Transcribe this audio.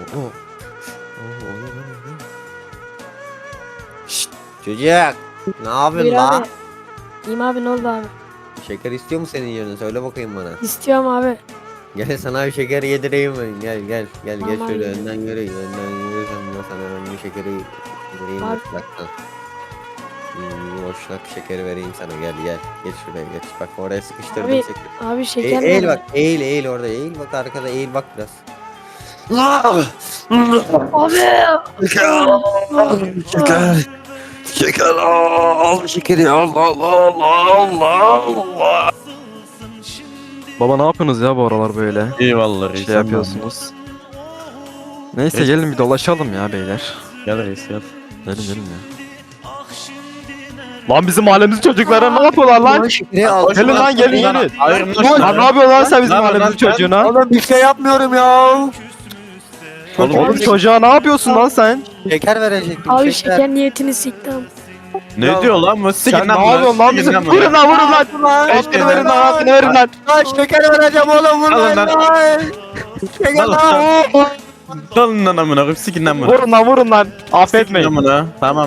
oh. Şşt çocuk. Ne yapıyorsun Buyur la? abi. İyiyim abi, ne oldu abi? Şeker istiyor mu senin yerine? Söyle bakayım bana. İstiyorum abi. Gel sana bir şeker yedireyim ben. Gel Tamam geç şöyle abi. önden yürü. Önden yürürsen ben sana ben bir şekeri yedireyim Abi. boşluktan. Boşluk şekeri vereyim sana gel. Geç şuraya geç. Bak oraya sıkıştırdım Abi, şekeri. abi şeker Eğil nerede? bak eğil orada eğil bak arkada eğil bak biraz. Abi. Şeker. Şeker al şekeri Allah. Baba ne yapıyorsunuz ya bu aralar böyle? Eyvallah reis. Şey yapıyorsunuz. Neyse gelin bir dolaşalım ya beyler. Gel reis gel. Gelin ya. Lan bizim mahallemizin çocuklara ne yapıyorlar lan? Şekeri al. Gelin lan gelin. Hayır Lan ne yapıyorsun lan sen bizim Lan, mahallemizin lan, çocuğuna? Oğlum bir şey yapmıyorum ya. Oğlum çocuğa ne yapıyorsun lan sen? Şeker verecektim. Abi şeker niyetini siktim. Ne diyor lan bu? Siktir ne yapıyorsun lan bizim? Vurun lan vurun lan. Eşkini verin lan hakkını verin lan. Lan şeker vereceğim oğlum Alın lan. lan. Şeker Alın lan. Dalın lan amına koyayım sikin lan bunu. Vurun lan. Affetmeyin. Amına. Tamam.